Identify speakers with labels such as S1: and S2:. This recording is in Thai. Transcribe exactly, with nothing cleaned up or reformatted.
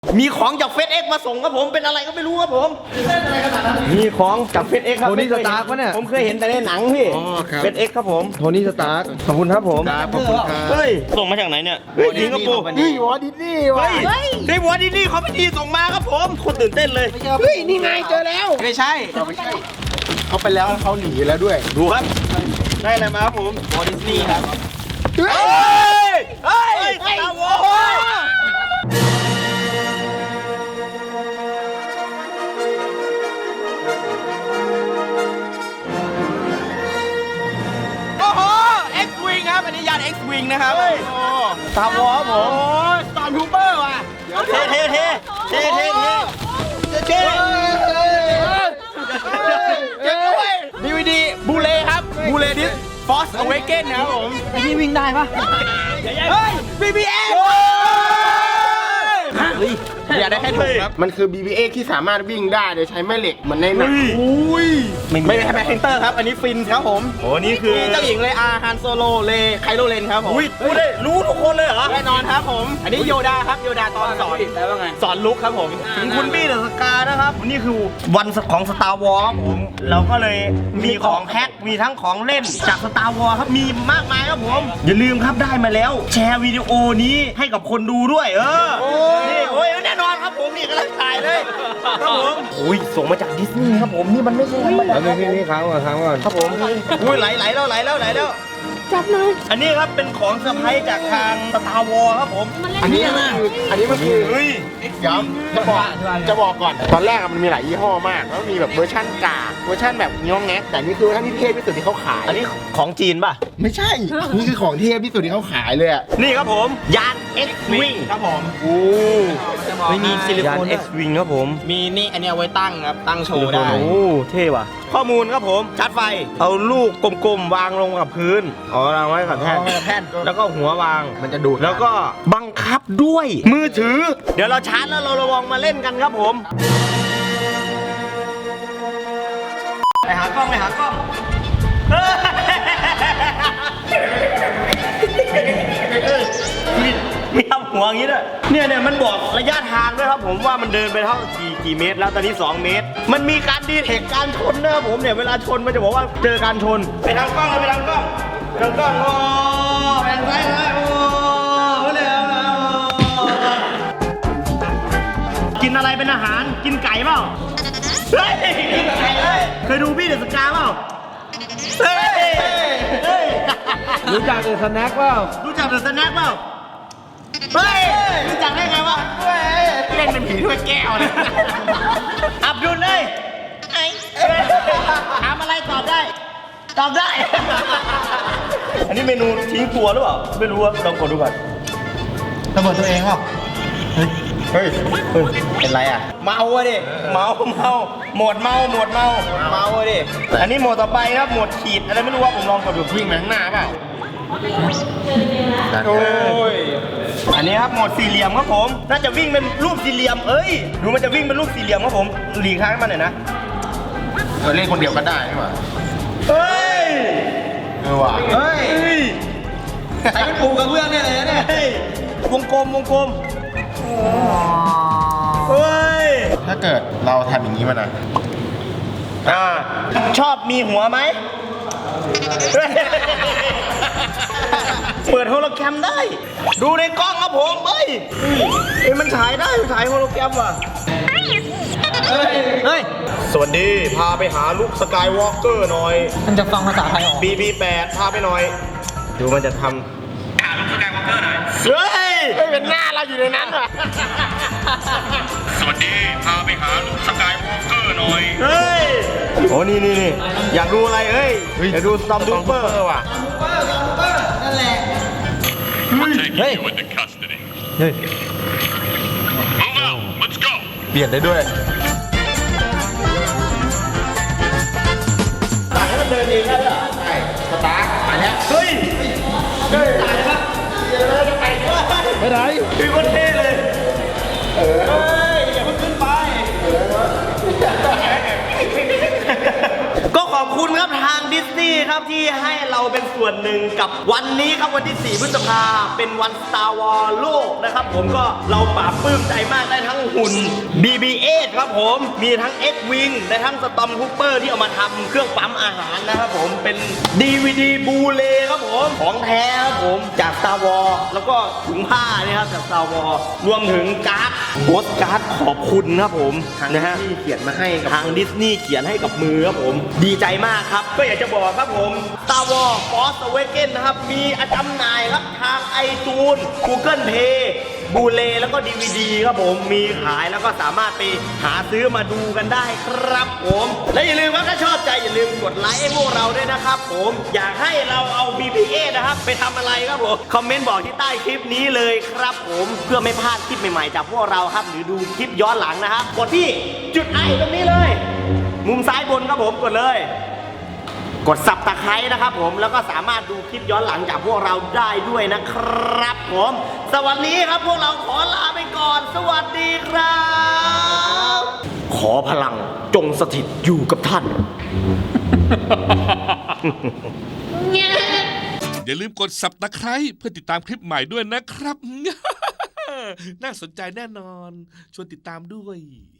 S1: มีของจากเฟซเอ็กมาส่งครับผมเป็นอะไรก็ไม่รู้ครับผมมีของจากเฟซเอ็กครับ
S2: โทนี่สตาร์กปะเนี่ย
S1: ผมเคยเห็นแต่ในหนังพี่เฟซเอ็กครับผม
S2: โทนี่สตาร์ก
S1: ขอบคุณครับผม
S2: ครับขอบคุณครับ
S1: เฮ้ยส่งมาจากไหนเนี่ยเฮ้ยสิงคโปร์
S2: เฮ้ยวอดิสนี่วะ
S1: เฮ้ยได้วอร์ดินี่เขาไม่ดีส่งมาครับผมคนตื่นเต้นเลย
S2: เฮ้ยนี่ไงเจอแล้ว
S1: ไม่ใช่
S2: เขาไปแล้วเขาหนีแล้วด้วย
S1: ดูครับได้อะไรมาครับผมวอร์ดินี่ครับเฮ้ยเฮ้ยสตาร์วอร์X-Wing ครับ อันนี้ยาน X-Wing นะครับสตาร์วอร์ครับผมสตาร์ทูเปอร์ว่ะเท่เท่เท่เท่เท่เท่เท่เจ๋งด้วย ดี วี ดี บูเลครับบูเลดิส Force Awakens นะครับผมไอ้นี่วิ่งได้ปะเฮ้ย บี บี เอ
S2: อย่าได้แค่ถุงครับ มันคือ บี บี เอ ที่สามารถวิ่งได้โดยใช้แม่เหล็กเหมือนในหนัง
S1: อุ้ยไม่ได้แบ็คเซนเตอร์ครับ อันนี้ฟินครับผมโอ้นี่คือเจ้าหญิงเลอาฮันโซโลเลไคโลเลนครับผมอุ้ยรู้ได้รู้ทุกคนเลยเหรอแน่นอนครับผม อันนี้โยดาครับโยดาตอนสอนแล้วว่าไงสอนลุกครับผมถึงคุณบี้เดอะสกานะครับนี่คือวันของสตาร์วอร์ครับผมเราก็เลยมีของแพ็คมีทั้งของเล่นจากสตาร์วอร์ครับมีมากมายครับผมอย่าลืมครับได้มาแล้ว แชร์วิดีโอนี้ให้กับคนดูด้วยเออนี่โอ้ยแน่นอนครับผมนี่กำลังถ่ายเลยครับผมโอ้ยส่งมาจากดิสนีย์ครับผมนี่มันไม่ใช่ธรรมดา
S2: แล้วนี่นี่ค้างก่อนค้างก่อน
S1: ครับผมอุ้ยไหลไหลแล้วไหลแล้วไหลแล้วจับหน่อยอันนี้ครับเป็นของเซอร์ไพรส์จากทางสตาร์วอร์ครับผมอันนี้นะ
S2: อันนี้มันคือ
S1: เฮ้ย
S2: เดี๋ยวจะบอกจะบอกก่อน ตอนแรกอะมันมีหลายยี่ห้อมากแล้วมีแบบเวอร์ชั่นกากเวอร์ชั่นแบบง้องแงะแต่นี่คือเวอร์ชันที่เทพที่สุดที่เขาขาย
S1: อันนี้ของจีนป่ะ
S2: ไม่ใช่ นี่คือของเทพที่สุดที่เขาขายเลยอะ
S1: นี่ครับผมยาน X-Wing ครับผมโอ้ไม่มีซิลิโคนยาน X-Wing ครับผม
S3: มีนี่อันนี้เอาไว้ตั้งครับ ตั้งโชว์ได้
S1: โอ้เท่ว่ะข้อมูลครับผมชาร์จไฟเอาลูกกลมๆวางลงกับพื้นอ๋อวางไว้กับแท่น
S2: แท่น
S1: แล้วก็หัววาง
S2: มันจะดูด
S1: แล้วก็บังคับด้วยมือถือ เดี๋ยวเราชาร์จแล้วเราระวังมาเล่นกันครับผมไปหากล้องไปหากล้องมีมีทำหัวอย่างนี้ด้วยเนี่ยเนี่ยมันบอกระยะทางด้วยครับผมว่ามันเดินไปเท่ากี่กี่เมตรแล้วตอนนี้สองเมตร มันมีการดีเทคการชนนะครับผมเนี่ยเวลาชนมันจะบอกว่าเจอการชนไปทางกล้องเลยไปทางกล้องไปทางกล้องโอ้ไปทางซ้ายเลยโอ้เลยเอากินอะไรเป็นอาหารกินไก่เปล่าเฮ้ยกินไก่เลยเคยดูพี่เดอะสกาเปล่าเฮ้ยเฮ้ย
S2: รู้จักเดอะสแน็คเปล่า
S1: รู้จักเดอะสแน็คเปล่าเฮ้ยรู้จักได้ไงวะเล่นเป็นผีถ้วยแก้วเลยอับดุลเลยถามอะไรตอบได้ตอบได้อันนี้เมนูทิ้งตัวหรือเปล่าไม่รู้ว่าลองกดดูก่อน
S3: ระเบิดตัวเองเปล่า
S1: เฮ้ย เฮ้ย เป็นไรอ่ะ เมาอะดิ เมา เมา หมดเมา หมดเมา เมาอะดิ อันนี้โหมดต่อไปครับ โหมดขีด อะไรไม่รู้ว่าผมลองกดดูวิ่งไปข้างหน้าเปล่า โอ้ย อันนี้ครับโหมดสี่เหลี่ยมครับผม น่าจะวิ่งเป็นรูปสี่เหลี่ยม เอ้ย ดูมันจะวิ่งเป็นรูปสี่เหลี่ยมครับผม หลีกทางให้มันหน่อยนะ
S2: เราเล่นคนเดียวก็ได้ใช่ป่ะ
S1: เฮ้ย
S2: เออว่ะ
S1: เฮ้ย
S3: ใช้เป็นปูกระเบื้องเนี่ยเลยนะเนี่ย
S1: เฮ้ย วงกลม วงกลม เฮ้ย
S2: ถ้าเกิดเราทำอย่างนี้มานะ
S1: อ่าชอบมีหัวไหม เปิดโฮโลแกรมได้ ดูในกล้องครับผมเฮ้ยเอ้ยมันฉายได้ฉายโฮโลแกรมว่ะเฮ้ยสวัสดีพาไปหาลูกสกายวอล์กเกอร์หน่อย
S3: มันจะฟังภาษาไทยออก
S1: บี บี แปด พาไปหน่อย ดูมันจะทำหาลูกสกายวอล์กเกอร์หน่อยเฮ้ย
S2: เฮ้ยเป็นหน้าเราอยู่ในนั้นว่ะ
S4: สวัสดี พาไปหาลูกสกายวอล์กเกอร์หน่อย
S1: เฮ้ยโอ้นี่นี่นี่อยากดูอะไรเฮ้ยอยากดูสตอมทูเปอร์ว่ะ
S4: We're taking you into custody.
S1: เฮ้ย
S4: Move out. Let's go.
S2: เปลี่ยนได้ด้วย
S1: สั่งให้มันเดินเองได้เหรอ
S2: ใช่สตาร์ทมาแล้ว
S1: เฮ้ย เฮ้ยตายปะเดี๋ยวเราจะไปด้วย
S2: ไปไหน
S1: คือคนเท่เลย เออเฮ้ย อย่าเพิ่งขึ้นไป ก็ขอบคุณครับทางดิสนีย์ครับที่ให้เราเป็นส่วนหนึ่งกับวันนี้ครับวันที่สี่พฤษภาเป็นวัน Star Wars โลกนะครับผมก็เราปลาบปลื้มใจมากได้ทั้งหุ่น บี บี เอท ครับผมมีทั้ง X-Wing ได้ทั้ง Stormtrooper ที่เอามาทำเครื่องปั๊มอาหารนะครับผมเป็น ดี วี ดี Blu-ray ครับผมของแท้ครับผมจาก Star Wars แล้วก็ถุงผ้านี่ครับจาก Star Wars รวมถึงการ์ดโปสการ์ดขอบคุณครับผมนะฮะที่เขียนมาให้ทางดิสนีย์เขียนให้กับมือครับผมดีใจมากครับก็อยากจะบอกครับผม Star Wars Force Awakens นะครับมีจำหน่ายครับทาง iTunes Google Play บูเลแล้วก็ ดี วี ดี ครับผมมีขายแล้วก็สามารถไปหาซื้อมาดูกันได้ครับผมและอย่าลืมว่าถ้าชอบใจอย่าลืมกดไลค์ให้พวกเราด้วยนะครับผมอยากให้เราเอา บี บี เอ นะครับไปทำอะไรครับผมคอมเมนต์บอกที่ใต้คลิปนี้เลยครับผมเพื่อไม่พลาดคลิปใหม่ๆจากพวกเราครับหรือดูคลิปย้อนหลังนะครับกดที่จุดไอตรงนี้เลยมุมซ้ายบนครับผมกดเลยกดสับตะไคร้นะครับผมแล้วก็สามารถดูคลิปย้อนหลังจากพวกเราได้ด้วยนะครับผมสวัสดีครับพวกเราขอลาไปก่อนสวัสดีครับขอพลังจงสถิตอยู่กับท่าน
S5: อย่าลืมกด ซับสไครบ์ เพื่อติดตามคลิปใหม่ด้วยนะครับ น่าสนใจแน่นอน ชวนติดตามด้วย